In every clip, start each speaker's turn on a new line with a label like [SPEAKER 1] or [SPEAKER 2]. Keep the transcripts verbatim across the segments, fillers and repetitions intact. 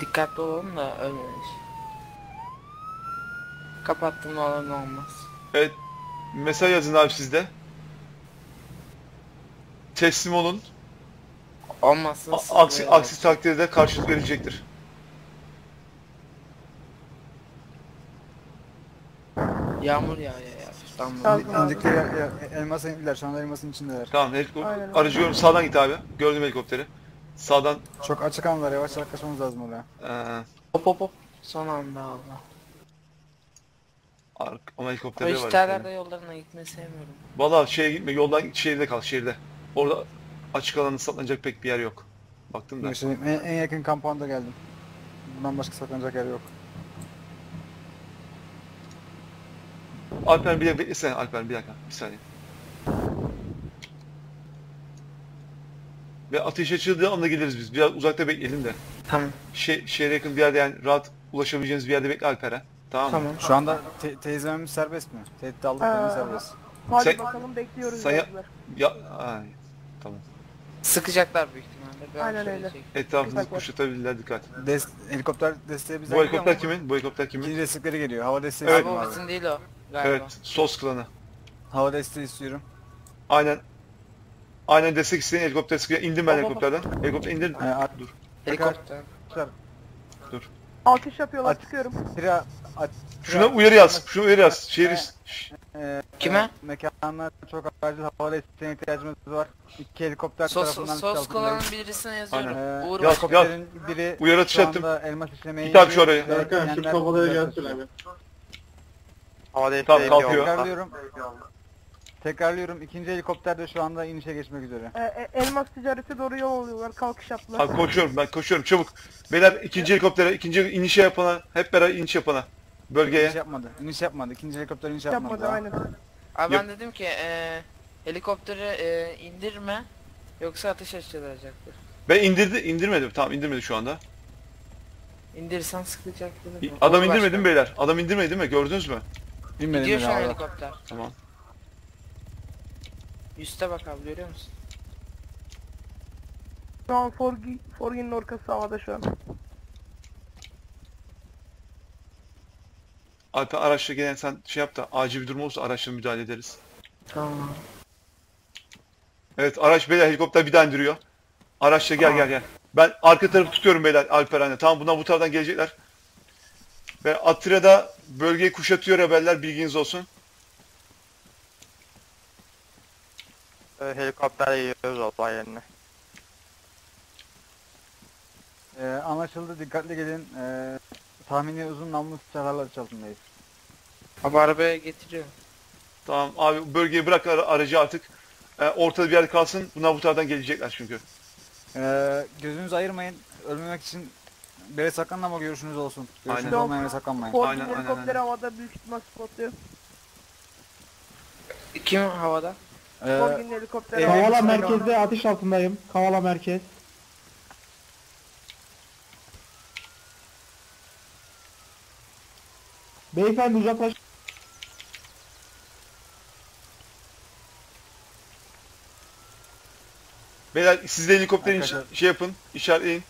[SPEAKER 1] Dikkatli olalım da ölmemiş. Kapattım olan olmaz.
[SPEAKER 2] Evet. Mesaj yazın abi sizde. Teslim olun.
[SPEAKER 1] Olmazsa
[SPEAKER 2] A- Aksi,
[SPEAKER 1] sıkılıyor
[SPEAKER 2] aksi takdirde karşılık verilecektir.
[SPEAKER 1] Yağmur yağıyor ya. İstanbul'da.
[SPEAKER 3] Yazdım abi.
[SPEAKER 4] İndikte ya, ya, elmasa indiler. Şu anda elmasın içindeler.
[SPEAKER 2] Tamam, helikopter.
[SPEAKER 3] Aynen.
[SPEAKER 2] Aracı gördüm. Sağdan git abi. Gördüm helikopteri. Sağdan.
[SPEAKER 4] Çok açık anlar. Yavaş yaklaşmamız lazım oraya.
[SPEAKER 2] Ee,
[SPEAKER 1] Hop hop hop. Son anda Allah.
[SPEAKER 2] ar- ama
[SPEAKER 1] Ama
[SPEAKER 2] helikopterleri var.
[SPEAKER 1] işlerlerde yollarına gitmeyi sevmiyorum.
[SPEAKER 2] Valla şeye gitme. Yoldan şehirde kal. Şehirde. Orada açık alanı saklanacak pek bir yer yok. Baktım da.
[SPEAKER 4] Yaşayayım. En, en yakın kampanda geldim. Bundan başka saklanacak yer yok.
[SPEAKER 2] Alper bir dakika beklesene. Alper bir dakika. Bir saniye. Ve ateş açıldığı anda geliriz biz. Biraz uzakta bekleyelim de.
[SPEAKER 1] Tamam.
[SPEAKER 2] Şey, şehre yakın bir yerde, yani rahat ulaşabileceğiniz bir yerde bekle Alper'e. Tamam mı?
[SPEAKER 1] Tamam.
[SPEAKER 4] Şu anda te teyzemimiz serbest mi? Tehdit aldık
[SPEAKER 3] Aa.
[SPEAKER 4] beni serbest.
[SPEAKER 3] Hadi
[SPEAKER 2] Sen-
[SPEAKER 3] bakalım bekliyoruz.
[SPEAKER 2] sen ya-
[SPEAKER 3] yazdılar.
[SPEAKER 2] Ya, ay, tamam.
[SPEAKER 1] Sıkacaklar büyük ihtimalle. Bir an
[SPEAKER 3] Aynen
[SPEAKER 1] şöyle
[SPEAKER 3] öyle.
[SPEAKER 1] çek-
[SPEAKER 2] Etrafımızı
[SPEAKER 3] Dikkat var.
[SPEAKER 2] kuşatabilirler, dikkat.
[SPEAKER 4] Des helikopter desteği bize
[SPEAKER 2] Bu helikopter kimin? Bu helikopter kimin?
[SPEAKER 4] İkinci destekleri geliyor. Hava desteği
[SPEAKER 2] Evet.
[SPEAKER 1] Abi
[SPEAKER 4] istiyorum
[SPEAKER 1] o
[SPEAKER 4] abi.
[SPEAKER 1] bizim değil o. Galiba.
[SPEAKER 2] Evet, sos klanı.
[SPEAKER 4] Hava desteği istiyorum.
[SPEAKER 2] Aynen. Aynen destek isteyen helikopter sıkıyor. İndim ben
[SPEAKER 1] Hop, hop, hop.
[SPEAKER 2] helikopterden. Helikopter indir.
[SPEAKER 4] Ee, at-
[SPEAKER 2] Dur.
[SPEAKER 1] Helikopter.
[SPEAKER 3] Alkış yapıyorlar
[SPEAKER 4] At-
[SPEAKER 3] çıkıyorum.
[SPEAKER 4] Tira, at,
[SPEAKER 2] Şuna uyarı yaz. Şuna uyarı yaz. Şehir. Şş,
[SPEAKER 4] Ee,
[SPEAKER 1] Kime?
[SPEAKER 4] e, Mekanlar çok acil hava desteğine ihtiyacımız var. İki helikopter
[SPEAKER 1] Sos,
[SPEAKER 4] tarafından
[SPEAKER 1] sos
[SPEAKER 4] altındayız.
[SPEAKER 1] kalanın birisine yazıyorum.
[SPEAKER 4] Ee,
[SPEAKER 1] Uğur
[SPEAKER 2] Yaz,
[SPEAKER 1] Başkan.
[SPEAKER 4] helikopterin biri
[SPEAKER 2] Uyarı
[SPEAKER 4] şu
[SPEAKER 2] atış
[SPEAKER 4] anda elmas işlemeyi
[SPEAKER 2] Git abi şu araya.
[SPEAKER 4] yapıyor.
[SPEAKER 5] Erkan şu
[SPEAKER 4] Diyenler
[SPEAKER 5] kafalara
[SPEAKER 4] uzak
[SPEAKER 5] gelsin
[SPEAKER 4] tutuyor.
[SPEAKER 5] abi.
[SPEAKER 6] Hava desteği
[SPEAKER 2] Tamam, kalkıyor.
[SPEAKER 4] Tekrarlıyorum. Tekrarlıyorum. İkinci helikopter de şu anda inişe geçmek üzere.
[SPEAKER 3] Ee, e, elmas ticarete doğru yol alıyorlar. Kalkış yaptılar.
[SPEAKER 2] Abi koşuyorum, ben koşuyorum, çabuk. Beyler ikinci helikoptere, ikinci inişe yapana, hep beraber iniş yapana. Bölgeye.
[SPEAKER 4] İniş yapmadı. İniş yapmadı. İkinci helikopter iniş yapmadı.
[SPEAKER 3] Yapmadı
[SPEAKER 4] daha.
[SPEAKER 3] aynen.
[SPEAKER 1] Abi
[SPEAKER 2] Yap.
[SPEAKER 1] ben dedim ki e, helikopteri e, indirme yoksa ateş açılacaktır.
[SPEAKER 2] Ben indirdi, indirmedim. Tamam, indirmedi şu anda.
[SPEAKER 1] İndirirsen sıkacak dedim.
[SPEAKER 2] Adam
[SPEAKER 1] Uğur
[SPEAKER 2] indirmedi
[SPEAKER 1] Başkan.
[SPEAKER 2] mi beyler? Adam indirmedi değil mi? Gördünüz mü?
[SPEAKER 4] Bilmedim
[SPEAKER 1] Gidiyor
[SPEAKER 4] bile
[SPEAKER 1] şu an
[SPEAKER 4] abi.
[SPEAKER 1] helikopter.
[SPEAKER 2] Tamam.
[SPEAKER 1] Üste bak abi görüyor musun?
[SPEAKER 3] Şu an Forgi, Forgi'nin orkası havada şu an.
[SPEAKER 2] Alper araçla gelen sen şey yap da acil bir durum olursa araçla müdahale ederiz.
[SPEAKER 1] Tamam.
[SPEAKER 2] Evet, araç beyler helikopter bir daha indiriyor. Araçla gel gel gel. Ben arka tarafı tutuyorum beyler Alper anne. Tamam, bundan bu taraftan gelecekler. Ve Atira'da bölgeyi kuşatıyor haberler, bilginiz olsun.
[SPEAKER 6] Ee, helikopterle geliyoruz olay yerine.
[SPEAKER 4] Ee, anlaşıldı. Dikkatli gelin. Ee, tahmini uzun namlu silahlarla altındayız.
[SPEAKER 1] Abi arabaya getiriyor.
[SPEAKER 2] Tamam abi, bölgeyi bırak ara- aracı artık. Ee, ortada bir yerde kalsın. Bunlar bu taraftan gelecekler çünkü.
[SPEAKER 4] Ee, gözünüzü ayırmayın. Ölmemek için bir yere saklanın ama görüşünüz olsun. Görüşünüz
[SPEAKER 2] Aynen.
[SPEAKER 4] olmayan yere saklanmayın.
[SPEAKER 3] Forgi
[SPEAKER 2] Aynen, aynen,
[SPEAKER 3] helikopteri
[SPEAKER 2] aynen.
[SPEAKER 3] havada büyük ihtimal spotluyor.
[SPEAKER 1] Kim havada?
[SPEAKER 4] Ee,
[SPEAKER 3] Forgi'nin helikopteri
[SPEAKER 4] evet.
[SPEAKER 3] havada.
[SPEAKER 5] Kavala merkezde atış altındayım. Kavala merkez. Beyefendi uzaklaş.
[SPEAKER 2] Beyler siz de helikopterin iş-
[SPEAKER 4] Arkadaşlar.
[SPEAKER 2] şey yapın, işaretleyin.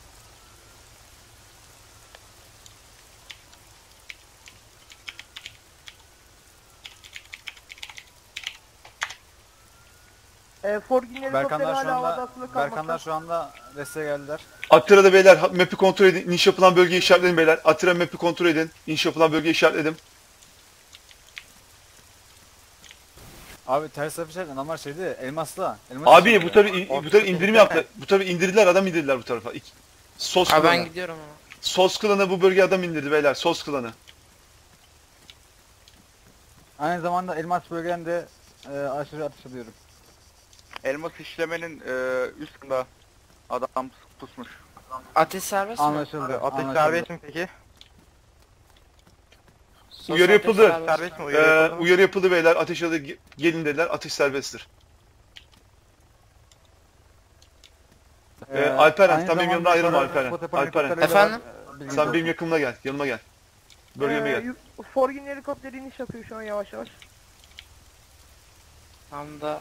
[SPEAKER 3] Ee, Forgi'nin helikopteri
[SPEAKER 4] Berkanlar şu
[SPEAKER 3] hala havada
[SPEAKER 4] anda
[SPEAKER 3] asılı
[SPEAKER 4] Berkanlar
[SPEAKER 3] kalmakta.
[SPEAKER 4] şu anda desteğe geldiler.
[SPEAKER 2] Atira'da beyler ha- map'i kontrol edin. İniş yapılan bölgeyi işaretleyin beyler. Atira map'i kontrol edin. İniş yapılan bölgeyi işaretledim.
[SPEAKER 4] Abi ters tarafı şey adamlar şeydi elmasla. Elmas
[SPEAKER 2] Abi
[SPEAKER 4] işlemi
[SPEAKER 2] bu
[SPEAKER 4] ya.
[SPEAKER 2] tabi bu tabi indirim yaptı. Bu tabi indirdiler, adam indirdiler bu tarafa. İk- Sos
[SPEAKER 1] Abi ben
[SPEAKER 2] klanı.
[SPEAKER 1] gidiyorum ama.
[SPEAKER 2] Sos klanı bu bölgeye adam indirdi beyler. Sos klanı.
[SPEAKER 4] Aynı zamanda elmas bölgeden de e, aşırı atış alıyorum.
[SPEAKER 6] Elmas işlemenin e, üstünde adam pusmuş.
[SPEAKER 1] Ateş serbest mi?
[SPEAKER 4] Anlaşıldı.
[SPEAKER 6] Ateş
[SPEAKER 4] anlaşıldı.
[SPEAKER 6] serbest mi peki?
[SPEAKER 1] Sos
[SPEAKER 2] Uyarı
[SPEAKER 1] ateş
[SPEAKER 2] yapıldı.
[SPEAKER 1] serbest.
[SPEAKER 6] Serbest mi?
[SPEAKER 2] Ee,
[SPEAKER 6] Uyarı yapıldı mı?
[SPEAKER 2] uyarı yapıldı beyler. Ateş aldı. Ge- Gelin dediler. Ateş serbesttir. Ee, Alperen,
[SPEAKER 4] aynı
[SPEAKER 2] sen benim
[SPEAKER 4] zamanda
[SPEAKER 2] yanımda ayrılma
[SPEAKER 4] sonra
[SPEAKER 2] Alperen.
[SPEAKER 4] spot yapan
[SPEAKER 2] Alperen.
[SPEAKER 4] helikopterleri var,
[SPEAKER 1] Efendim?
[SPEAKER 4] e, bilginiz
[SPEAKER 2] Sen
[SPEAKER 4] olsun.
[SPEAKER 2] benim yakınıma gel. Yanıma gel. Bölgeme
[SPEAKER 3] Ee,
[SPEAKER 2] gel.
[SPEAKER 3] yu- Forgi'nin helikopteri iniş yapıyor şu an yavaş yavaş.
[SPEAKER 1] Tam da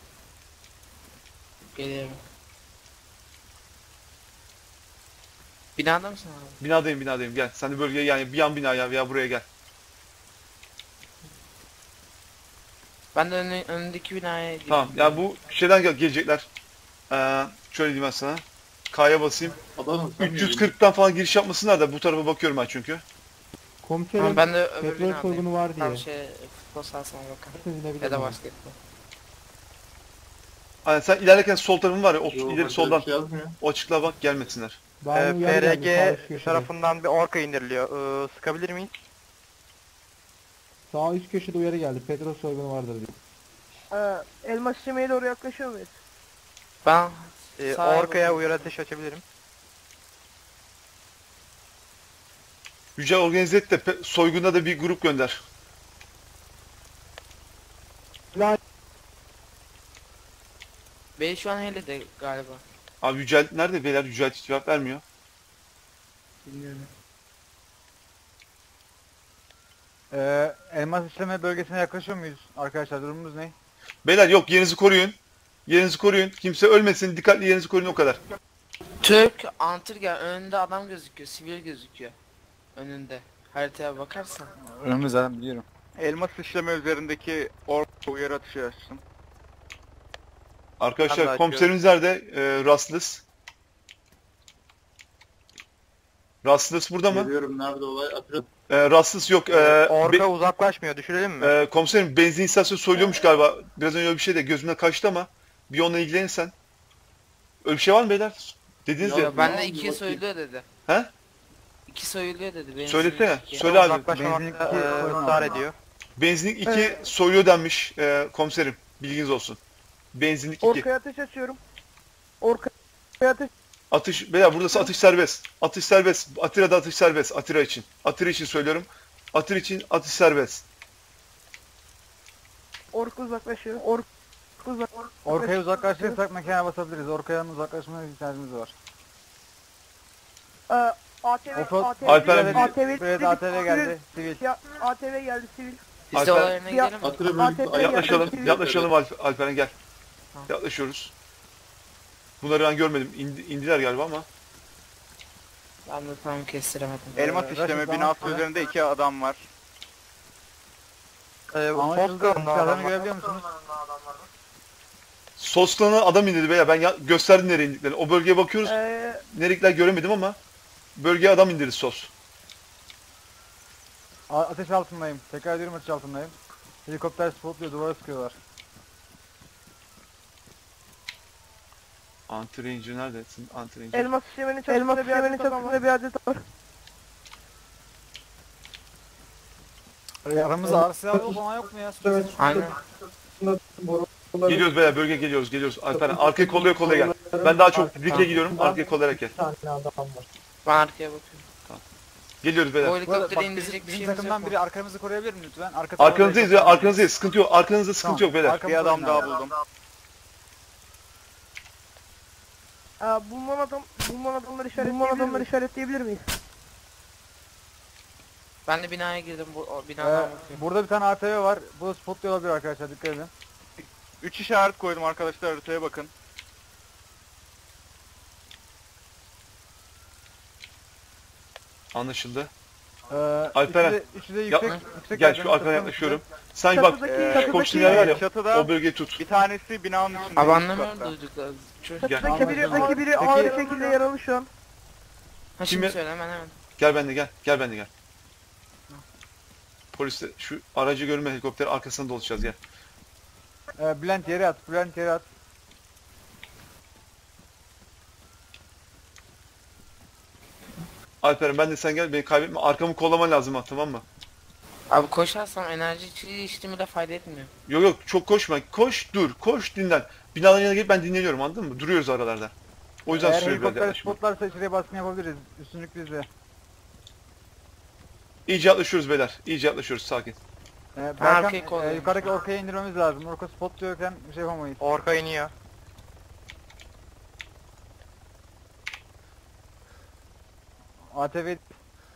[SPEAKER 1] geliyorum. Binada mısın abi?
[SPEAKER 2] Binadayım binadayım gel. Sen de bölgeye yani bir yan binaya veya buraya gel.
[SPEAKER 1] Ben de önü, önündeki binaya gidiyorum.
[SPEAKER 2] Tamam ya bu şeyden gel gelecekler. Ee, şöyle diyeyim ben sana. K'ya basayım. üç yüz kırktan falan giriş yapmasınlar da bu tarafa bakıyorum ben çünkü.
[SPEAKER 5] Komiserim
[SPEAKER 1] Tamam, ben de öbür
[SPEAKER 5] petrol
[SPEAKER 1] binadayım.
[SPEAKER 5] soygunu var diye.
[SPEAKER 1] Tam şey futbol sahasına bakın.
[SPEAKER 5] Siz inebilir
[SPEAKER 1] Ya da
[SPEAKER 5] miyim?
[SPEAKER 1] basketbol.
[SPEAKER 2] Hani sen ilerlerken sol tarafın var ya o
[SPEAKER 7] Yo,
[SPEAKER 2] ileri
[SPEAKER 7] bak,
[SPEAKER 2] soldan
[SPEAKER 7] bir şey yazmıyor.
[SPEAKER 2] o açıklığa bak gelmesinler.
[SPEAKER 5] Bana
[SPEAKER 6] Ee,
[SPEAKER 5] uyarı geldi, sağ
[SPEAKER 6] P R G
[SPEAKER 5] üst köşede.
[SPEAKER 6] tarafından bir orka indiriliyor. Ee, sıkabilir miyiz?
[SPEAKER 5] Sağ üst köşede uyarı geldi. Petrol soygunu vardır diyor.
[SPEAKER 3] Ee, elmas işlemeye doğru yaklaşıyor muyuz?
[SPEAKER 1] Ben
[SPEAKER 6] Ee,
[SPEAKER 1] sağa
[SPEAKER 6] orkaya
[SPEAKER 1] bakıyorum.
[SPEAKER 6] uyarı ateşi açabilirim.
[SPEAKER 2] Yüce organize et de pe- soygunda da bir grup gönder.
[SPEAKER 1] Bey şu an Heli'de galiba.
[SPEAKER 2] Abi Yücel nerede beyler? Yücel hiç cevap vermiyor.
[SPEAKER 1] Bilmiyorum.
[SPEAKER 4] Ee, elmas işleme bölgesine yaklaşıyor muyuz arkadaşlar? Durumumuz ne?
[SPEAKER 2] Beyler yok yerinizi koruyun. Yerinizi koruyun. Kimse ölmesin. Dikkatli yerinizi koruyun o kadar.
[SPEAKER 1] Türk Antirgen önünde adam gözüküyor. Sivil gözüküyor. Önünde. Haritaya bakarsan.
[SPEAKER 4] Önümüz zaten biliyorum.
[SPEAKER 6] Elmas işleme üzerindeki orka uyarı ateşi açtım. Ben de
[SPEAKER 2] Arkadaşlar
[SPEAKER 6] açıyorum.
[SPEAKER 2] komiserimiz nerede? Ee, Rastless. Rastless burada mı?
[SPEAKER 7] Geliyorum, nerede olay? Atilla
[SPEAKER 2] Ee, Rastless yok. Ee,
[SPEAKER 6] Orka
[SPEAKER 2] be-
[SPEAKER 6] uzaklaşmıyor. Düşürelim mi?
[SPEAKER 2] ee, komiserim benzin istasyonu soyuluyormuş galiba. Biraz önce öyle bir şey de gözümden kaçtı ama bir onunla ilgilenirsen. Öyle bir şey var mı beyler? Dediniz
[SPEAKER 7] Ya
[SPEAKER 2] ya.
[SPEAKER 1] Ya ben
[SPEAKER 7] ne
[SPEAKER 1] de
[SPEAKER 7] oldu
[SPEAKER 1] iki
[SPEAKER 7] bakayım?
[SPEAKER 1] soyuluyor dedi.
[SPEAKER 2] He?
[SPEAKER 1] İki soyuluyor dedi. Benim
[SPEAKER 2] Söylesene.
[SPEAKER 1] iki.
[SPEAKER 2] Söyle abi.
[SPEAKER 6] Uzaklaşmamakta
[SPEAKER 4] Benzinlik
[SPEAKER 6] e,
[SPEAKER 4] iki koyun
[SPEAKER 6] ısrar
[SPEAKER 4] aldım.
[SPEAKER 6] ediyor.
[SPEAKER 2] Benzinlik iki
[SPEAKER 3] Evet.
[SPEAKER 2] soyuyor denmiş ee, komiserim. Bilginiz olsun. Benzinlik iki.
[SPEAKER 3] Orkaya ateş açıyorum. Orkaya ateş.
[SPEAKER 2] Atış, beyler burası atış serbest. Atış serbest. Atira'da atış serbest. Atira için. Atira için söylüyorum. Atır için atış serbest.
[SPEAKER 3] Orka uzaklaşıyor. Orka uzak.
[SPEAKER 4] Orkaya uzaklaşırsak mekana basabiliriz. Orkaya uzaklaşmaya ihtiyacımız var.
[SPEAKER 3] Ee, A T V,
[SPEAKER 4] Offroad
[SPEAKER 3] A T V,
[SPEAKER 2] Alper-
[SPEAKER 3] A T V,
[SPEAKER 4] Buraya da A T V geldi. Sivil.
[SPEAKER 3] Ya, A T V geldi sivil.
[SPEAKER 1] Biz de
[SPEAKER 2] Alper-
[SPEAKER 1] olay yerine
[SPEAKER 3] Ya-
[SPEAKER 1] gidelim mi?
[SPEAKER 7] Atilla
[SPEAKER 3] A T
[SPEAKER 7] bölgesi
[SPEAKER 3] V
[SPEAKER 7] ayak-
[SPEAKER 2] Yaklaşalım.
[SPEAKER 3] yaklaşık-
[SPEAKER 2] Yaklaşalım Alp Alperen gel.
[SPEAKER 1] Tamam.
[SPEAKER 2] Yaklaşıyoruz. Bunları ben görmedim. İndi, indiler galiba ama.
[SPEAKER 1] Ben de tam kestiremedim.
[SPEAKER 6] Elmas
[SPEAKER 4] Ee,
[SPEAKER 6] işleme
[SPEAKER 4] Raşit,
[SPEAKER 6] binası
[SPEAKER 4] tamam.
[SPEAKER 6] üzerinde iki adam var. Ee,
[SPEAKER 4] Anlaşıldı.
[SPEAKER 6] Foska
[SPEAKER 4] Silahlarını görebiliyor musunuz?
[SPEAKER 2] Sosklan'a adam indirdi beyler. Ben ya- gösterdim nereye indiklerini. O bölgeye bakıyoruz.
[SPEAKER 3] Ee,
[SPEAKER 2] Nerelikler göremedim ama. Bölgeye adam indirdi Sos.
[SPEAKER 4] A- ateş altındayım. Tekrar ediyorum ateş altındayım. Helikopter spotluyor, duvara sıkıyorlar.
[SPEAKER 2] Anti-Ranger neredesin? Anti-Ranger.
[SPEAKER 3] elmas işlemenin çatısında elmas bir adet çatısında bir adet var.
[SPEAKER 4] Ee, Aramızda ağır silah yok olan yok mu ya?
[SPEAKER 1] Aynen.
[SPEAKER 2] Geliyoruz beyler. Bölgeye geliyoruz. Geliyoruz. Alperen arkaya kollaya kollaya gel. Ben daha çok dikle gidiyorum. Arkaya kollayarak gel.
[SPEAKER 5] Bir tane adam var.
[SPEAKER 1] Ben arkaya bakıyorum.
[SPEAKER 2] Geliyoruz
[SPEAKER 1] O
[SPEAKER 2] beyler.
[SPEAKER 4] Bu arada
[SPEAKER 1] helikopteri
[SPEAKER 4] bak,
[SPEAKER 1] indirecek
[SPEAKER 4] bizim,
[SPEAKER 1] bir
[SPEAKER 4] bizim
[SPEAKER 1] şeyimiz yok
[SPEAKER 4] takımdan
[SPEAKER 1] mu?
[SPEAKER 4] biri arkamızı koruyabilir mi lütfen? Arka
[SPEAKER 2] Arkanızdayız ya.
[SPEAKER 4] tarafta-
[SPEAKER 2] Arkanızdayız. Sıkıntı yok. Arkanızda sıkıntı
[SPEAKER 4] Tamam.
[SPEAKER 2] yok beyler.
[SPEAKER 4] Arkamızda
[SPEAKER 6] bir adam
[SPEAKER 4] oynayalım.
[SPEAKER 6] daha buldum.
[SPEAKER 3] Ee, bulunan adam, bulunan adamları işaretleyebilir bulunan adamları işaretleyebilir miyiz?
[SPEAKER 1] Ben de binaya girdim. Bu o
[SPEAKER 4] Ee,
[SPEAKER 1] binadan bakıyorum.
[SPEAKER 4] burada bir tane A T V var. Bu da spotluyor olabilir arkadaşlar, dikkat edin.
[SPEAKER 6] Üç işaret koydum arkadaşlar, haritaya bakın.
[SPEAKER 2] Anlaşıldı.
[SPEAKER 4] Ee,
[SPEAKER 2] Alperen,
[SPEAKER 4] üçü de, üçü de
[SPEAKER 2] yapma.
[SPEAKER 4] yüksek, yüksek
[SPEAKER 2] Gel
[SPEAKER 4] yerden
[SPEAKER 2] şu arkana
[SPEAKER 4] çatının
[SPEAKER 2] yaklaşıyorum.
[SPEAKER 4] üstünde.
[SPEAKER 2] Sen bak
[SPEAKER 3] Çatıdaki-
[SPEAKER 2] e,
[SPEAKER 3] çatıdaki-
[SPEAKER 2] koştuğun yer var ya.
[SPEAKER 6] Çatıda
[SPEAKER 2] O bölgeyi tut.
[SPEAKER 6] bir tanesi binanın içinde.
[SPEAKER 1] Abi
[SPEAKER 6] üst
[SPEAKER 1] anlamıyorum
[SPEAKER 6] katta.
[SPEAKER 1] duydukları. Çocuk.
[SPEAKER 2] Gel.
[SPEAKER 3] Çatıdaki biri, çatıdaki biri
[SPEAKER 4] Peki-
[SPEAKER 3] ağır bir şekilde yaralı şu an.
[SPEAKER 1] Ha şimdi
[SPEAKER 2] Kimi-
[SPEAKER 1] söyle hemen hemen.
[SPEAKER 2] Gel ben de gel. Gel ben de gel. Polis de şu aracı görme helikopter arkasına dolaşacağız gel.
[SPEAKER 4] Ee, Bülent yere at, Bülent yere at.
[SPEAKER 2] Alperen ben de sen gel beni kaybetme. Arkamı kollaman lazım ha tamam mı?
[SPEAKER 1] Abi koşarsam enerji içeceği içtiğimi de fayda etmiyor.
[SPEAKER 2] Yok yok çok koşma. Koş dur. Koş dinlen. Binaların yanına gelip ben dinleniyorum anladın mı? Duruyoruz aralarda. O yüzden
[SPEAKER 4] Eğer
[SPEAKER 2] sürüyor biraz
[SPEAKER 4] helikopter
[SPEAKER 2] yaklaşma.
[SPEAKER 4] spotlarsa içeriye baskın yapabiliriz. Üstünlük bizde.
[SPEAKER 2] İyice yaklaşıyoruz beyler. İyice yaklaşıyoruz sakin.
[SPEAKER 4] Ee,
[SPEAKER 1] arkayı
[SPEAKER 4] Berkan, e,
[SPEAKER 1] kolluyorum.
[SPEAKER 4] yukarıdaki orkaya indirmemiz lazım. Orka spotluyorken bir şey yapamayız.
[SPEAKER 6] Orka iniyor.
[SPEAKER 4] A T V...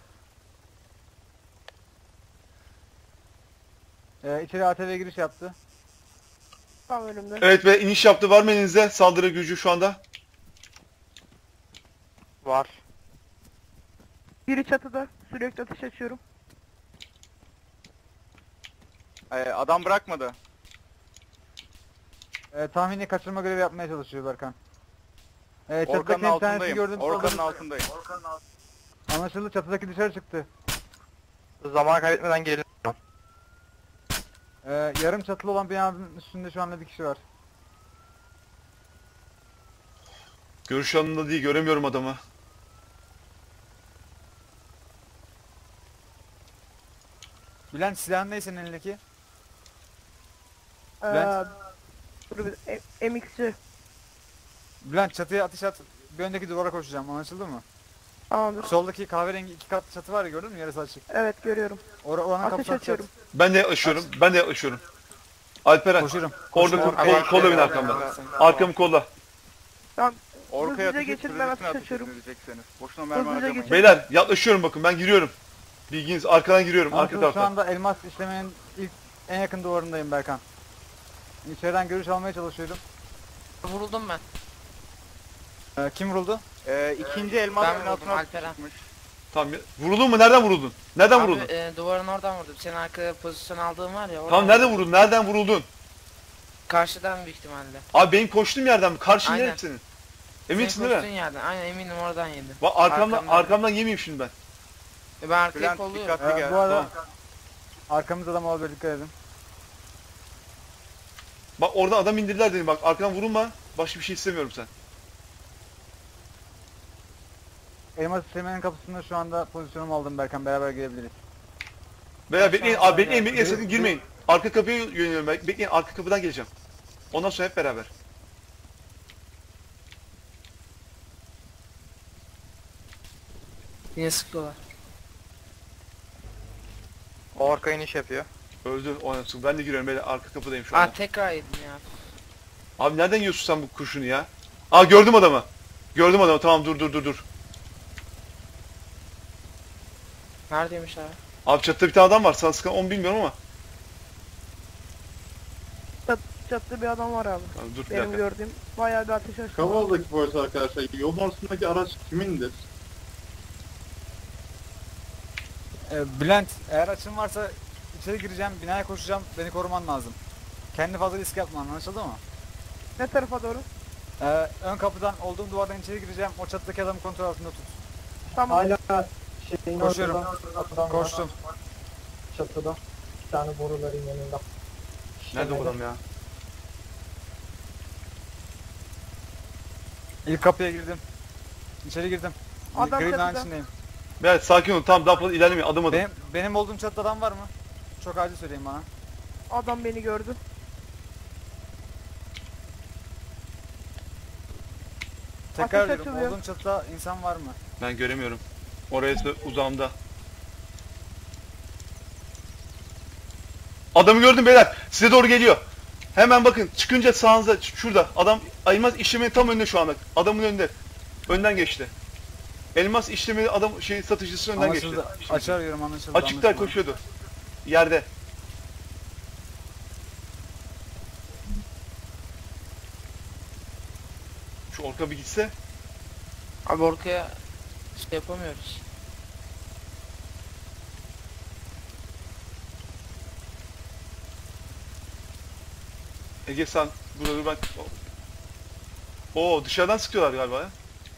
[SPEAKER 4] Ee, içeri A T V giriş yaptı.
[SPEAKER 3] Tam önümde.
[SPEAKER 2] Evet ve iniş yaptı. Var mı elinizde saldırı gücü şu anda?
[SPEAKER 6] Var.
[SPEAKER 3] Biri çatıda. Sürekli ateş açıyorum.
[SPEAKER 6] Ee, adam bırakmadı.
[SPEAKER 4] Ee, tahmini kaçırma görevi yapmaya çalışıyor Berkan. Ee,
[SPEAKER 6] Orkan'ın
[SPEAKER 4] çatıdaki interneti
[SPEAKER 6] altındayım.
[SPEAKER 4] gördüm.
[SPEAKER 6] Orkan'ın
[SPEAKER 4] soldan-
[SPEAKER 6] altındayım.
[SPEAKER 4] Anlaşıldı, çatıdaki dışarı çıktı.
[SPEAKER 7] Zaman kaybetmeden gelin.
[SPEAKER 4] Ee, yarım çatılı olan binanın üstünde şu anda bir kişi var.
[SPEAKER 2] Görüş alanında değil, göremiyorum adamı.
[SPEAKER 4] Bülent, silahın ne senin elindeki?
[SPEAKER 3] Ee,
[SPEAKER 4] Bülent.
[SPEAKER 3] dur bir- E- M X'ci.
[SPEAKER 4] Bülent, çatıya ateş at. Bir öndeki duvara koşacağım, anlaşıldı mı?
[SPEAKER 3] Tamamdır.
[SPEAKER 4] Soldaki kahverengi iki katlı çatı var ya, gördün mü? Yarısı açık.
[SPEAKER 3] Evet görüyorum.
[SPEAKER 4] Or oranın
[SPEAKER 3] Ateş
[SPEAKER 4] kapısını
[SPEAKER 3] açıyorum.
[SPEAKER 4] açıyorum.
[SPEAKER 2] Ben de yaklaşıyorum. Ben de yaklaşıyorum. Alperen.
[SPEAKER 4] Koşuyorum.
[SPEAKER 2] Orada
[SPEAKER 4] Koşuyorum.
[SPEAKER 2] kol, kol, kolla beni arkamda. Arkamı kolla.
[SPEAKER 3] Tamam.
[SPEAKER 6] Orkaya
[SPEAKER 3] Hızlıca
[SPEAKER 6] ateş
[SPEAKER 3] geçin, ben
[SPEAKER 6] sürücüsüne
[SPEAKER 3] ateş
[SPEAKER 6] ateş
[SPEAKER 3] açıyorum.
[SPEAKER 6] edecekseniz. Boşuna mermi
[SPEAKER 3] Hızlıca
[SPEAKER 6] harcamayın.
[SPEAKER 3] geçin.
[SPEAKER 2] Beyler yaklaşıyorum bakın, ben giriyorum. Bilginiz, arkadan giriyorum, arka
[SPEAKER 4] Anlaşıldı, şu
[SPEAKER 2] taraftan.
[SPEAKER 4] anda elmas işlemenin ilk en yakın duvarındayım Berkan. İçeriden görüş almaya çalışıyorum.
[SPEAKER 1] Vuruldum ben.
[SPEAKER 4] Ee, kim vuruldu?
[SPEAKER 6] Ee, ikinci elmas
[SPEAKER 1] Ben vurdum,
[SPEAKER 6] binasına
[SPEAKER 1] Alperen.
[SPEAKER 6] çıkmış.
[SPEAKER 2] Tamam, ya- vuruldun mu? Nereden vuruldun? Nereden
[SPEAKER 1] Abi
[SPEAKER 2] vuruldun?
[SPEAKER 1] e, duvarın oradan vurdum. Senin arkada pozisyon aldığın var ya. oradan
[SPEAKER 2] Tamam, nereden
[SPEAKER 1] vurdum.
[SPEAKER 2] vuruldun? Nereden vuruldun?
[SPEAKER 1] Karşıdan büyük ihtimalle.
[SPEAKER 2] Abi benim koştuğum yerden mi? Karşın
[SPEAKER 1] Aynen.
[SPEAKER 2] neresi senin? Eminsin
[SPEAKER 1] Senin
[SPEAKER 2] değil
[SPEAKER 1] koştuğun
[SPEAKER 2] mi?
[SPEAKER 1] yerden. Aynen eminim oradan yedim.
[SPEAKER 2] Bak arkamdan,
[SPEAKER 1] Arkamdan.
[SPEAKER 2] arkamdan yemeyeyim şimdi ben.
[SPEAKER 1] E, ben arkaya
[SPEAKER 6] Bülent
[SPEAKER 1] kolluyorum.
[SPEAKER 6] dikkatli
[SPEAKER 4] Ee,
[SPEAKER 6] gel.
[SPEAKER 4] bu arada
[SPEAKER 2] Tamam.
[SPEAKER 4] arkamızda adam olabilir, dikkat edin.
[SPEAKER 2] Bak oradan adam indirdiler dedim, bak arkadan vurulma. Başka bir şey istemiyorum sen.
[SPEAKER 4] Elmas işlemenin kapısında şu anda pozisyonumu aldım Berkan, beraber gelebiliriz.
[SPEAKER 2] Veya bekleyin,
[SPEAKER 1] Aşağı
[SPEAKER 2] abi bekleyin,
[SPEAKER 1] doğru.
[SPEAKER 2] bekleyin, sakın girmeyin. Arka kapıya yöneliyorum ben. Bekleyin, arka kapıdan geleceğim. Ondan sonra hep beraber.
[SPEAKER 1] Yine sıkıyorlar.
[SPEAKER 7] Orka iniş yapıyor.
[SPEAKER 2] Öldü, oynasın. Ben de giriyorum, böyle arka kapıdayım şu
[SPEAKER 1] Aa
[SPEAKER 2] anda.
[SPEAKER 1] tekrar yedim ya.
[SPEAKER 2] Abi nereden yiyorsun sen bu kurşunu ya? Aa gördüm adamı. Gördüm adamı, tamam dur dur dur dur.
[SPEAKER 1] Neredeymiş abi?
[SPEAKER 2] Abi çatıda bir tane adam var, sana sıkan onu bilmiyorum ama.
[SPEAKER 3] Çat, çatıda bir adam var abi.
[SPEAKER 2] Tamam, dur bir
[SPEAKER 3] Benim
[SPEAKER 2] dakika.
[SPEAKER 3] gördüğüm bayağı bir ateş açtı.
[SPEAKER 8] Kavala'daki polis arkadaşlar, yolun ortasındaki araç kimindir?
[SPEAKER 4] Ee, Bülent, eğer açın varsa içeri gireceğim, binaya koşacağım, beni koruman lazım. Kendi fazla risk yapma, anlaşıldı mı?
[SPEAKER 3] Ne tarafa doğru?
[SPEAKER 4] Ee, ön kapıdan olduğum duvardan içeri gireceğim, o çatıdaki adamı kontrol altında tut.
[SPEAKER 3] Tamam.
[SPEAKER 5] Hala şeyin
[SPEAKER 4] Koşuyorum.
[SPEAKER 5] ortadan adam var.
[SPEAKER 4] Koştum.
[SPEAKER 5] Çatıda. Bir tane boruların yanında.
[SPEAKER 2] Nerede bu adam ya?
[SPEAKER 4] İlk kapıya girdim. İçeri girdim.
[SPEAKER 3] Adam
[SPEAKER 4] Gri binanın
[SPEAKER 3] çatıda.
[SPEAKER 4] içindeyim.
[SPEAKER 2] Evet sakin olun, tamam daha fazla ilerlemeyin, adım adım.
[SPEAKER 4] Benim, benim olduğum çatıda adam var mı? Çok acil söyleyin bana.
[SPEAKER 3] Adam beni gördü.
[SPEAKER 4] Tekrar
[SPEAKER 3] Ateş
[SPEAKER 4] ediyorum,
[SPEAKER 3] açılıyor.
[SPEAKER 4] olduğum çatıda insan var mı?
[SPEAKER 2] Ben göremiyorum. Orası uzağımda. Adamı gördüm beyler. Size doğru geliyor. Hemen bakın, çıkınca sağınıza, ş- şurada. Adam elmas işlemenin tam önünde şu anda. Adamın önünde. Önden geçti. Elmas işlemi adam şey satıcısı önden geçti.
[SPEAKER 4] Anlaşıldı. Açı arıyorum, anlaşıldı.
[SPEAKER 2] Açıkta
[SPEAKER 4] anlaşıldı.
[SPEAKER 2] koşuyordu. Yerde. Şu orta bir gitse.
[SPEAKER 1] Abi orkaya şey yapamıyoruz.
[SPEAKER 2] Ege sen burada dur, ben... Oo dışarıdan sıkıyorlar galiba ya.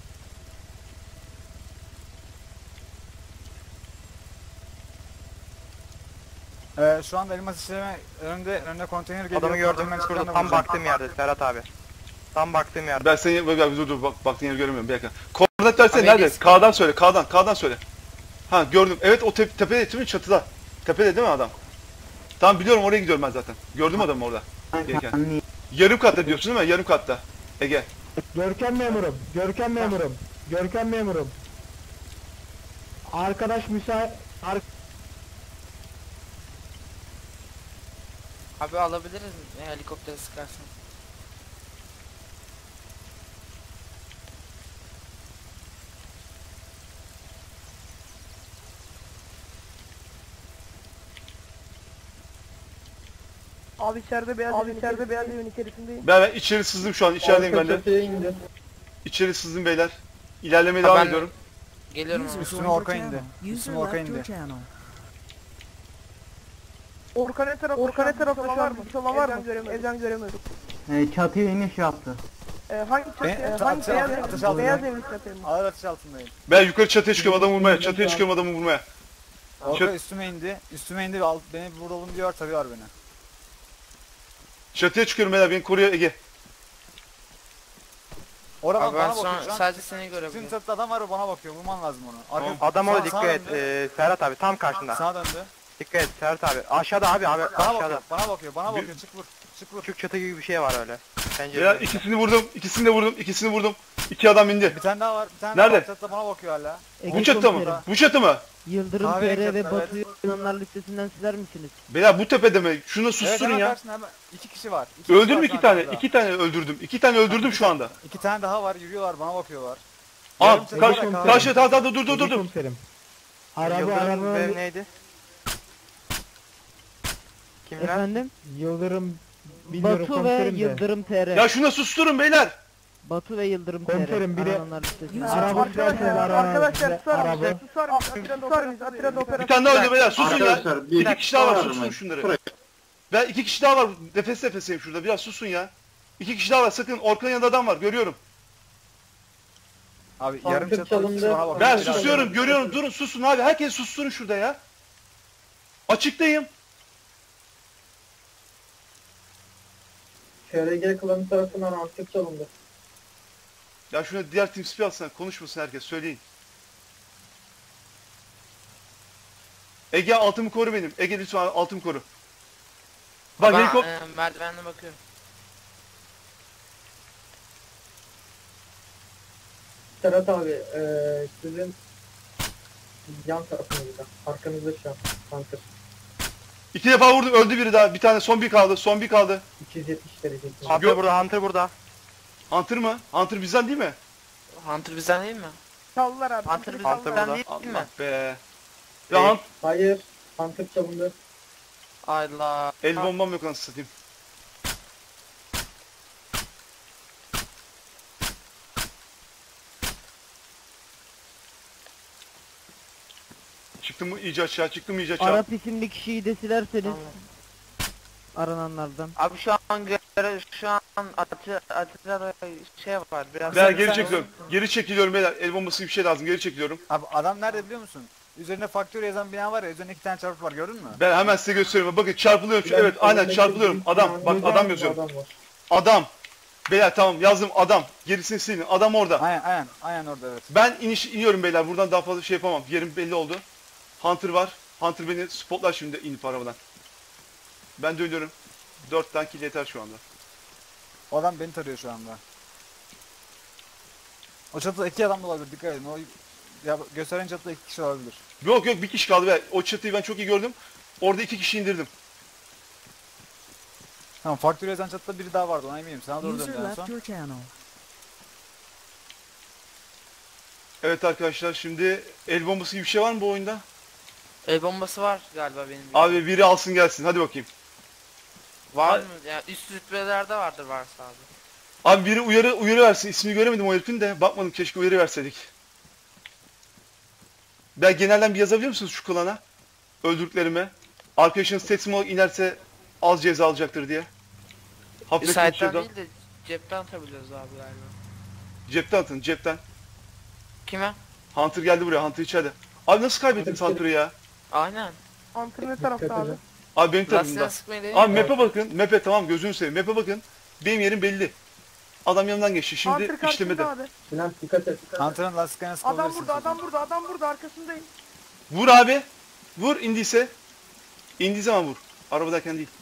[SPEAKER 4] Ee, şu anda elmas işleme önünde, önünde konteyner geliyor.
[SPEAKER 7] Adamı gördüm
[SPEAKER 4] Konteynerin
[SPEAKER 7] şurada,
[SPEAKER 4] çıkışlarına
[SPEAKER 7] tam
[SPEAKER 4] vuracağım.
[SPEAKER 7] baktığım yerde Serhat abi. Tam baktığım yerde.
[SPEAKER 2] Ben seni bak, bak, dur dur bak baktığın yeri göremiyorum bir dakika. Koordinat versene,
[SPEAKER 1] Abi
[SPEAKER 2] nerede?
[SPEAKER 1] Ege'si-
[SPEAKER 2] K'dan söyle, K'dan, K'dan söyle. Ha gördüm. Evet o te tepede değil mi, çatıda? Tepede değil mi adam? Tamam biliyorum, oraya gidiyorum ben zaten. Gördüm adamı orada. Gelirken. Yarım katta diyorsun değil mi? Yarım katta. Ege.
[SPEAKER 5] Görkem memurum. Görkem memurum. Görkem memurum. Arkadaş müsait. Ar
[SPEAKER 1] Abi alabiliriz mi? Helikopteri sıkarsın.
[SPEAKER 3] Abi içeride beyaz abi içeride beyaz evin içerisindeyim.
[SPEAKER 2] Ben, ben içeri sızdım şu an. İçerideyim ben
[SPEAKER 5] arka
[SPEAKER 2] de.
[SPEAKER 5] çatıya indi.
[SPEAKER 2] İçeri sızdım beyler. İlerlemeye
[SPEAKER 1] Ha,
[SPEAKER 2] devam
[SPEAKER 1] ben-
[SPEAKER 2] ediyorum.
[SPEAKER 1] Geliyorum abi.
[SPEAKER 4] Üstüme Orka indi. Üstüme Orka indi.
[SPEAKER 3] Orkan ne tarafta? Orkan ne tarafta şu an? Bir olan var mı? Evden göremiyorum.
[SPEAKER 5] Ee, çatıya iniş yaptı.
[SPEAKER 3] Ee, hangi çatı?
[SPEAKER 4] Ben-
[SPEAKER 3] Ee,
[SPEAKER 4] atış-
[SPEAKER 3] hangi beyaz
[SPEAKER 4] atış-
[SPEAKER 3] evli?
[SPEAKER 4] atış altındayım.
[SPEAKER 3] Beyaz evli çatı mı?
[SPEAKER 4] Ağır atış altındayım.
[SPEAKER 2] Ben yukarı çatıya çıkıyorum adamı vurmaya. Çatıya çıkıyorum adamı vurmaya.
[SPEAKER 4] Orka
[SPEAKER 2] Çat-
[SPEAKER 4] üstüme indi. Üstüme indi ve alt, beni vuralım diyor, tarıyor beni.
[SPEAKER 2] Çatıya çıkıyorum beyler, beni koruyor Ege.
[SPEAKER 4] Oradan
[SPEAKER 1] Abi ben
[SPEAKER 4] bana
[SPEAKER 1] şu
[SPEAKER 4] bakıyor
[SPEAKER 1] an
[SPEAKER 4] şu an.
[SPEAKER 1] sadece seni
[SPEAKER 4] Tüm
[SPEAKER 1] görebiliyorum.
[SPEAKER 4] çatıda adam var ve bana bakıyor. Vurman lazım onu. Arka,
[SPEAKER 7] Adam orada
[SPEAKER 4] sağa-
[SPEAKER 7] dikkat
[SPEAKER 4] sağa
[SPEAKER 7] et.
[SPEAKER 4] döndü.
[SPEAKER 7] Ee, Serhat abi tam karşında.
[SPEAKER 4] Sağa döndü.
[SPEAKER 7] Dikkat et Serhat abi. Aşağıda abi abi
[SPEAKER 4] Bana
[SPEAKER 7] aşağıda.
[SPEAKER 4] bakıyor, bana bakıyor, bana bakıyor. Çık vur. Çık vur.
[SPEAKER 7] Küçük çatı gibi bir şey var öyle.
[SPEAKER 2] Beyler
[SPEAKER 7] Pencerede.
[SPEAKER 2] ikisini vurdum. İkisini de vurdum. İkisini vurdum. İki adam indi.
[SPEAKER 4] Bir tane daha var. Bir tane
[SPEAKER 2] Nerede?
[SPEAKER 4] daha var. Çatıda bana bakıyor hala.
[SPEAKER 2] Bu çatı mı? Bu çatı mı?
[SPEAKER 5] Yıldırım
[SPEAKER 4] Kahve
[SPEAKER 5] T R ve
[SPEAKER 4] renkli,
[SPEAKER 5] Batu Yunanlar listesinden siler misiniz?
[SPEAKER 2] Beyler bu tepede mi? Şunu
[SPEAKER 4] Evet,
[SPEAKER 2] susturun
[SPEAKER 4] hemen
[SPEAKER 2] ya.
[SPEAKER 4] karşında hemen. İki kişi var. İki kişi
[SPEAKER 2] Öldürdüm
[SPEAKER 4] var
[SPEAKER 2] iki
[SPEAKER 4] şu an
[SPEAKER 2] tane.
[SPEAKER 4] çatıda.
[SPEAKER 2] İki tane öldürdüm. İki tane öldürdüm şu anda.
[SPEAKER 4] İki tane daha var. Yürüyorlar, bana bakıyorlar.
[SPEAKER 2] Aa,
[SPEAKER 4] Yarım çatı
[SPEAKER 2] karşı,
[SPEAKER 4] var, kahve.
[SPEAKER 2] karşı, tamam tamam dur dur dur dur.
[SPEAKER 5] Komiserim. Araba
[SPEAKER 7] Yıldırım
[SPEAKER 5] araba.
[SPEAKER 7] ve neydi? Kimler?
[SPEAKER 5] Efendim? Yıldırım bilmiyorum
[SPEAKER 9] Batu ve
[SPEAKER 5] komiserim de.
[SPEAKER 9] Yıldırım T R.
[SPEAKER 2] Ya şuna susturun beyler.
[SPEAKER 9] Batu ve Yıldırım T R.
[SPEAKER 5] Komiserim, biri-
[SPEAKER 9] Arananlar listesinde.
[SPEAKER 5] Araba
[SPEAKER 3] Arkadaşlar,
[SPEAKER 5] sürerken ara-
[SPEAKER 3] arkadaşlar susar
[SPEAKER 5] araba.
[SPEAKER 3] mısınız? Susar mısınız? Atirada mıyız? Atirada
[SPEAKER 2] Bir
[SPEAKER 3] operasyon.
[SPEAKER 2] tane daha öldü beyler. Susun ya.
[SPEAKER 8] Arkadaşlar bir
[SPEAKER 2] İki kişi daha var.
[SPEAKER 8] var
[SPEAKER 2] Susun
[SPEAKER 8] mı?
[SPEAKER 2] şunları.
[SPEAKER 8] Buraya.
[SPEAKER 2] Ben iki kişi daha var. Nefes nefeseyim şurada. Biraz susun ya. İki kişi daha var. Sakın. Orkan'ın yanında adam var. Görüyorum.
[SPEAKER 4] Abi yarım
[SPEAKER 5] Sandık
[SPEAKER 4] çatıda iki kişi
[SPEAKER 5] çalındı.
[SPEAKER 4] bana bakıyor.
[SPEAKER 2] Ben
[SPEAKER 4] Bir daha
[SPEAKER 2] susuyorum.
[SPEAKER 4] görüyorum.
[SPEAKER 2] Görüyorum. Durun susun abi. Herkes susturun şurada ya. Açıktayım.
[SPEAKER 5] K R G klanı tarafından artık çalındı.
[SPEAKER 2] Ya şuna diğer team speak alsana. Konuşmasın herkes. Söyleyin. Ege altımı koru benim. Ege lütfen altımı koru. Bak
[SPEAKER 1] Ben
[SPEAKER 2] helikop...
[SPEAKER 1] e, merdivenle bakıyorum.
[SPEAKER 5] Serhat abi eee sizin yan tarafınızda. Arkanızda şu an. Hunter.
[SPEAKER 2] İki defa vurdum. Öldü biri daha. Bir tane son bir kaldı. Son bir kaldı.
[SPEAKER 5] iki yüz yetmiş derece.
[SPEAKER 7] Hunter burada, Hunter burada.
[SPEAKER 2] Hunter mı? Hunter bizden değil mi?
[SPEAKER 1] Hunter bizden değil mi?
[SPEAKER 3] Çaldılar abi.
[SPEAKER 1] Hunter
[SPEAKER 3] çaldılar.
[SPEAKER 7] Hunter
[SPEAKER 1] bizden
[SPEAKER 7] burada.
[SPEAKER 1] değil mi?
[SPEAKER 2] Allah be. Ya
[SPEAKER 7] Değil.
[SPEAKER 2] Hunt,
[SPEAKER 5] Hayır. Hunter çalındı.
[SPEAKER 1] Allah.
[SPEAKER 2] el bombam yok anasını satayım. Çıktım mı iyice aşağı, çıktım iyice aşağı.
[SPEAKER 9] Arap isimli kişiyi de silerseniz
[SPEAKER 1] Tamam.
[SPEAKER 9] arananlardan.
[SPEAKER 1] Abi şu an göre şu an atı atıda şey var biraz.
[SPEAKER 2] Ben
[SPEAKER 4] sen-
[SPEAKER 2] geri
[SPEAKER 4] sen-
[SPEAKER 2] çekiliyorum. Geri çekiliyorum beyler. El bombası gibi bir şey lazım. Geri çekiliyorum.
[SPEAKER 4] Abi adam nerede biliyor musun? Üzerine faktör yazan bina var ya, üzerine iki tane çarpı var, gördün mü?
[SPEAKER 2] Ben hemen size gösteriyorum. Bakın çarpılıyorum. Şu, evet aynen çarpılıyorum. Adam. Bak adam yazıyorum.
[SPEAKER 5] Adam var.
[SPEAKER 2] Adam. Beyler tamam yazdım adam. Gerisini silin. Adam orada.
[SPEAKER 4] Aynen aynen aynen orada, evet.
[SPEAKER 2] Ben iniş iniyorum beyler. Buradan daha fazla şey yapamam. Yerim belli oldu. Hunter var. Hunter beni spotlar şimdi inip arabadan. Ben dönüyorum. Dört tane kill yeter şu anda.
[SPEAKER 4] O adam beni tarıyor şu anda. O çatıda iki adam da olabilir, dikkat edin. O ya gösteren çatıda iki kişi olabilir.
[SPEAKER 2] Yok yok bir kişi kaldı be. O çatıyı ben çok iyi gördüm. Orada iki kişi indirdim.
[SPEAKER 4] Tamam, faktör yazan çatıda biri daha vardı, ona eminim. Sana doğru
[SPEAKER 10] User
[SPEAKER 4] döndü en
[SPEAKER 10] left
[SPEAKER 4] son.
[SPEAKER 10] your channel.
[SPEAKER 2] Evet arkadaşlar şimdi el bombası gibi bir şey var mı bu oyunda?
[SPEAKER 1] El bombası var galiba benim. bildiğim.
[SPEAKER 2] Abi biri alsın gelsin. Hadi bakayım.
[SPEAKER 1] var mı? Yani üst rütbelerde vardır varsa abi.
[SPEAKER 2] Abi biri uyarı uyarı versin. İsmini göremedim o herifin de. Bakmadım, keşke uyarı verseydik. Ben genelden bir yazabiliyor musunuz şu klana? Öldürdüklerime. Arkadaşınız teslim olarak inerse az ceza alacaktır diye.
[SPEAKER 1] Bir
[SPEAKER 2] Hafif
[SPEAKER 1] site'den
[SPEAKER 2] şuradan.
[SPEAKER 1] değil de cepten atabiliyoruz abi galiba.
[SPEAKER 2] Cepten atın cepten.
[SPEAKER 1] Kime?
[SPEAKER 2] Hunter geldi buraya. Hunter içeride. Abi nasıl kaybettiniz Hunter'ı ya?
[SPEAKER 1] Aynen.
[SPEAKER 3] Hunter ne tarafta abi?
[SPEAKER 2] Abi benim
[SPEAKER 1] Lastiğine
[SPEAKER 2] tarafımda.
[SPEAKER 1] sıkmayı değil
[SPEAKER 2] Abi
[SPEAKER 1] mi?
[SPEAKER 2] map'e bakın. Map'e tamam gözünü seveyim. Map'e bakın. Benim yerim belli. Adam yanından geçti. Şimdi
[SPEAKER 3] Hunter karşında
[SPEAKER 2] işlemede.
[SPEAKER 3] abi.
[SPEAKER 5] Sinan dikkat et.
[SPEAKER 4] Hunter'ın lastiklerine
[SPEAKER 3] Adam
[SPEAKER 4] sıkabilirsin.
[SPEAKER 3] burada, adam burada, adam burada arkasındayım.
[SPEAKER 2] Vur abi. Vur indiyse. İndiği zaman vur. Arabadayken değil.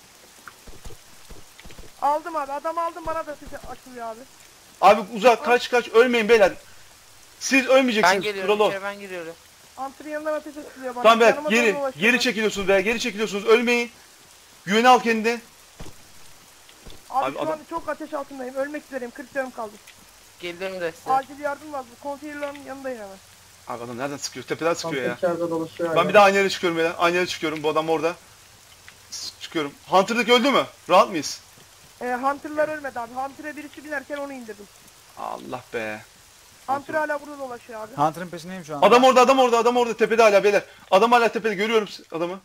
[SPEAKER 3] Aldım abi, adam aldım, bana da sesi açılıyor abi.
[SPEAKER 2] Abi uzak kaç kaç ölmeyin beyler. Siz
[SPEAKER 1] Ben
[SPEAKER 2] ölmeyeceksiniz.
[SPEAKER 1] geliyorum.
[SPEAKER 2] Kural o.
[SPEAKER 1] içeri ben giriyorum.
[SPEAKER 3] Hunter'ın yanından ateş açılıyor bana.
[SPEAKER 2] Tamam beyler
[SPEAKER 3] Yanıma
[SPEAKER 2] geri
[SPEAKER 3] doğru ulaşıyor.
[SPEAKER 2] geri çekiliyorsunuz veya geri çekiliyorsunuz. Ölmeyin. Güveni al kendine.
[SPEAKER 3] Abi,
[SPEAKER 2] Abi
[SPEAKER 3] şu
[SPEAKER 2] adam-
[SPEAKER 3] an çok ateş altındayım, ölmek üzereyim, kırk canım kaldı.
[SPEAKER 1] Geliyorum da size.
[SPEAKER 3] Acil yardım lazım, konteynerlerin yanındayım hemen.
[SPEAKER 2] Abi adam nereden sıkıyor? Tepeden sıkıyor ya.
[SPEAKER 5] içeride dolaşıyor.
[SPEAKER 2] Ben bir daha aynı yere çıkıyorum beyler. Aynı yere çıkıyorum. Bu adam orada. S- Çıkıyorum. Hunter'daki öldü mü? Rahat mıyız?
[SPEAKER 3] Ee, Hunter'lar ölmedi abi, Hunter'a birisi binerken onu indirdim.
[SPEAKER 2] Allah be.
[SPEAKER 3] Hunter hala burada dolaşıyor abi.
[SPEAKER 4] Hunter'ın peşindeyim şu an.
[SPEAKER 2] Adam orada, adam orada, adam orada tepede hala beyler. Adam hala tepede, görüyorum adamı.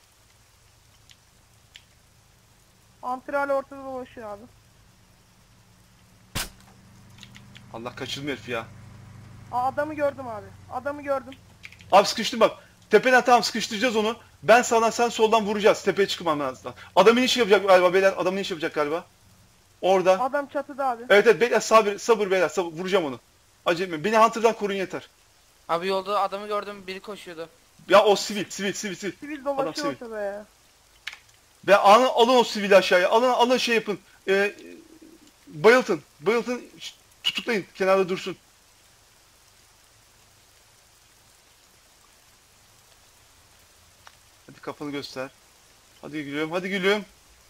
[SPEAKER 3] Hunter hala ortada dolaşıyor abi.
[SPEAKER 2] Allah, kaçırdım herif ya.
[SPEAKER 3] Aa, adamı gördüm abi. Adamı gördüm.
[SPEAKER 2] Abi sıkıştım bak. Tepeden tamam sıkıştıracağız onu. Ben sağdan sen soldan vuracağız. Tepeye çıkmam lazım. Adamın iş yapacak galiba beyler. Adamın iş yapacak galiba. Orada.
[SPEAKER 3] Adam çatıda abi.
[SPEAKER 2] Evet evet beyler, sabır sabır beyler, sabır, vuracağım onu. Acele etmeyin. Beni Hunter'dan korun yeter.
[SPEAKER 1] Abi yolda adamı gördüm, biri koşuyordu.
[SPEAKER 2] Ya o sivil sivil sivil sivil.
[SPEAKER 3] Sivil dolaşıyor
[SPEAKER 2] sivil.
[SPEAKER 3] ortada ya.
[SPEAKER 2] Ve alın, alın o sivili aşağıya. Alın alın şey yapın. Ee, bayıltın. Bayıltın. Ş- Tutuklayın. Kenarda dursun. Hadi kafanı göster. Hadi gülüyorum. Hadi gülüyorum.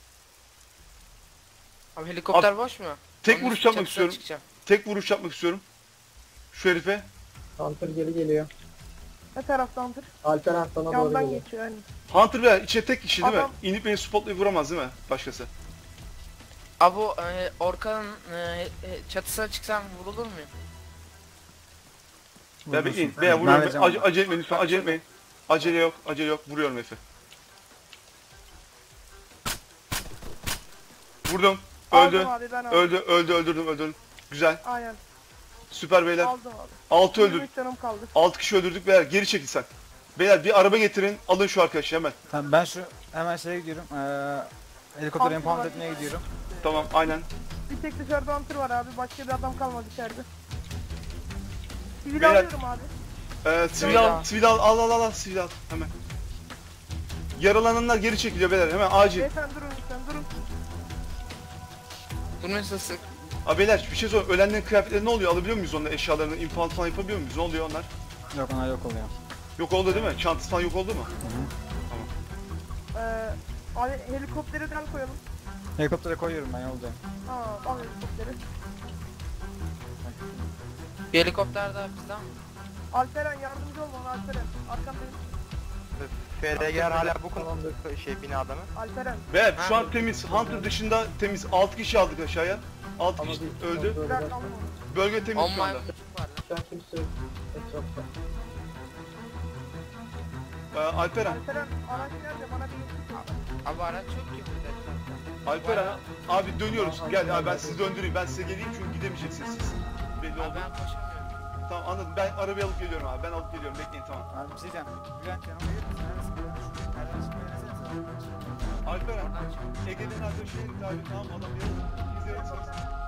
[SPEAKER 1] Abi helikopter boş mu?
[SPEAKER 2] Tek
[SPEAKER 1] Onun
[SPEAKER 2] vuruş yapmak
[SPEAKER 1] çatısına
[SPEAKER 2] istiyorum.
[SPEAKER 1] çıkacağım.
[SPEAKER 2] Tek vuruş yapmak istiyorum. Şu herife.
[SPEAKER 5] Hunter geri geliyor.
[SPEAKER 3] Ne tarafta Hunter?
[SPEAKER 5] Alperen sana doğru
[SPEAKER 3] Yandan
[SPEAKER 5] geliyor.
[SPEAKER 3] geçiyor yani.
[SPEAKER 2] Hunter beyler içe tek kişi değil
[SPEAKER 3] Adam-
[SPEAKER 2] mi? İnip beni spotlayıp vuramaz değil mi? Başkası.
[SPEAKER 1] Abi o e, Orkan'ın e, e, çatısına çıksam vurulur muyum?
[SPEAKER 2] Ben bekleyin.
[SPEAKER 4] Vurursun.
[SPEAKER 2] Beyler
[SPEAKER 4] Ben
[SPEAKER 2] vuruyorum.
[SPEAKER 4] vereceğim
[SPEAKER 2] Ace,
[SPEAKER 4] ona.
[SPEAKER 2] acele etmeyin lütfen. Acele etmeyin. Acele yok. Acele yok. Vuruyorum herife. Vurdum. Öldü.
[SPEAKER 3] Aldım abi ben aldım.
[SPEAKER 2] Öldü. Öldü. Öldürdüm. Öldürdüm. Güzel.
[SPEAKER 3] Aynen.
[SPEAKER 2] Süper beyler.
[SPEAKER 3] Aldım abi.
[SPEAKER 2] altı öldürdük.
[SPEAKER 3] yirmi üç canım kaldı.
[SPEAKER 2] altı kişi öldürdük beyler. Geri çekil sen. Beyler bir araba getirin. Alın şu arkadaşı hemen.
[SPEAKER 4] Tamam ben şu hemen şeye gidiyorum. Ee, helikopteri
[SPEAKER 3] Hunter
[SPEAKER 4] impound
[SPEAKER 3] var.
[SPEAKER 4] etmeye gidiyorum.
[SPEAKER 2] Tamam aynen.
[SPEAKER 3] Bir tek dışarıda Hunter var abi. Başka bir adam kalmadı içeride. Sivil
[SPEAKER 2] Beyler-
[SPEAKER 3] alıyorum abi.
[SPEAKER 2] Ee, sivil al. Sivil al. Al al al. al. Sivil al. Hemen. Yaralananlar geri çekiliyor beyler. Hemen acil.
[SPEAKER 3] Beyefendi durun lütfen durun.
[SPEAKER 1] Durmuyorsa sık.
[SPEAKER 2] Abi beyler bir şey sor. Ölenlerin kıyafetleri ne oluyor? Alabiliyor muyuz onları? Eşyalarını impound falan yapabiliyor muyuz? Ne oluyor onlar?
[SPEAKER 4] Yok onlar yok oluyor.
[SPEAKER 2] Yok oldu değil mi? Çantası falan yok oldu mu?
[SPEAKER 3] Ee, abi helikopteri den koyalım.
[SPEAKER 4] Helikoptere koyuyorum ben yoldayım.
[SPEAKER 3] Aa, al helikopteri.
[SPEAKER 1] Bir helikopter daha bizden mi?
[SPEAKER 3] Alperen yardımcı ol bana Alperen. Arkandayım.
[SPEAKER 7] F R G'ler hala bu konumda şey binada mı?
[SPEAKER 3] Alperen.
[SPEAKER 2] Beyler şu an temiz. Hunter dışında temiz. altı kişi aldık aşağıya. altı
[SPEAKER 5] Ama
[SPEAKER 2] kişi
[SPEAKER 5] bir
[SPEAKER 2] öldü.
[SPEAKER 5] kontrol
[SPEAKER 3] Bırak
[SPEAKER 5] eder.
[SPEAKER 3] aldım onu.
[SPEAKER 2] Bölge temiz
[SPEAKER 1] On
[SPEAKER 2] şu anda.
[SPEAKER 1] maymuncuk var lan.
[SPEAKER 5] Şu an kimse yok etrafta.
[SPEAKER 2] Ee, Alperen.
[SPEAKER 3] Alperen araç nerede? Bana bir
[SPEAKER 1] Abi araç yok ki burada etrafta.
[SPEAKER 2] Alperen abi dönüyoruz. Gel abi ben sizi döndüreyim. Ben size geleyim çünkü gidemeyeceksiniz siz. Belli
[SPEAKER 1] Abi
[SPEAKER 2] oldu.
[SPEAKER 1] ben koşamıyorum.
[SPEAKER 2] Tamam anladım. Ben arabayı alıp geliyorum abi. Ben alıp geliyorum. Bekleyin tamam.
[SPEAKER 4] Abi bir şey diyeceğim. Bülent yanıma gelir misin? Neredesin? Bülent? Nereden çıkmayı desene sen.
[SPEAKER 2] Alperen.
[SPEAKER 1] Oradan çık.
[SPEAKER 2] Ege'nin arkadaşı herif abi. Tamam adam yanında. İzleyin.